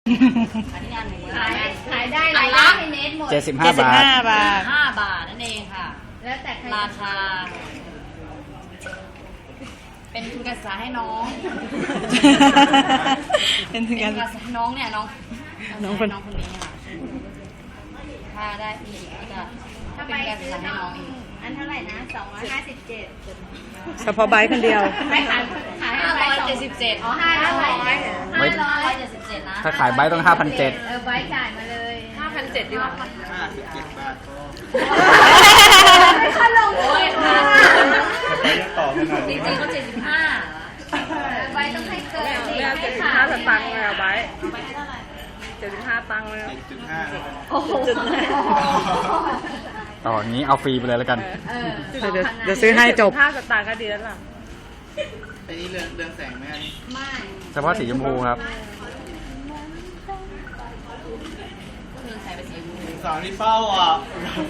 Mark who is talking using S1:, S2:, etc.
S1: อันนี้อันหนึ่ง
S2: ขายได้รายได้ในเน็ตหมด
S3: 75 บาท
S1: 5 บาทนั่นเองค่ะ
S2: แล้วแต่ใคร
S1: ราคา เป็นทุนการศึกษาให้น้อง
S3: เป็นทุน
S1: เป็
S3: กาน ร
S1: ทุนการศึกษาให้น้องเนี่ยน้อง
S3: น้องคน
S1: น้องคนนี้ค่ะถ้าได้อีกก็จะ
S2: ถ้า
S1: เป็
S2: ไป
S1: นการศึก
S2: ซื้อ
S1: ษาให้
S2: น้
S1: น้
S2: อ
S1: อง งอีก
S2: อันเท่าไหร่นะ257
S3: เฉพาะไบค์คนเดียว
S2: ไม่ขายให้ไบค์
S1: 577
S2: อ๋อ500
S1: 577นะ
S3: ถ้าขายไบค์ต้อง 5,700
S2: ไบค์จ่ายมาเลย
S1: 5,700ดีกว่า
S4: 57 บาท
S2: เขาลง
S1: โอ้ยค่ะ
S4: ไปยังต่อขนาด
S1: จ
S4: นี้
S1: ริงๆเขา75
S2: ไบค์ต้องให้เกิน
S3: 75 สตางค์เลยไบค์75 ตังค์เลย
S4: 7.5
S2: โอ้โห
S3: ต่ออย่างนี้เอาฟรีไปเลยแล้วกัน
S2: เดี๋
S3: เดี๋ยวซื้อให้จบ
S5: 5 สตางค์ก็ดีแล้วล่ะ
S4: อันนี้เรืองแสงไหมอันนี้
S2: ไม่
S3: เฉพาะสีชมพูครับ
S1: เงินใส่ไปสีชมพู
S4: สองนี่เฝ้าอ่ะ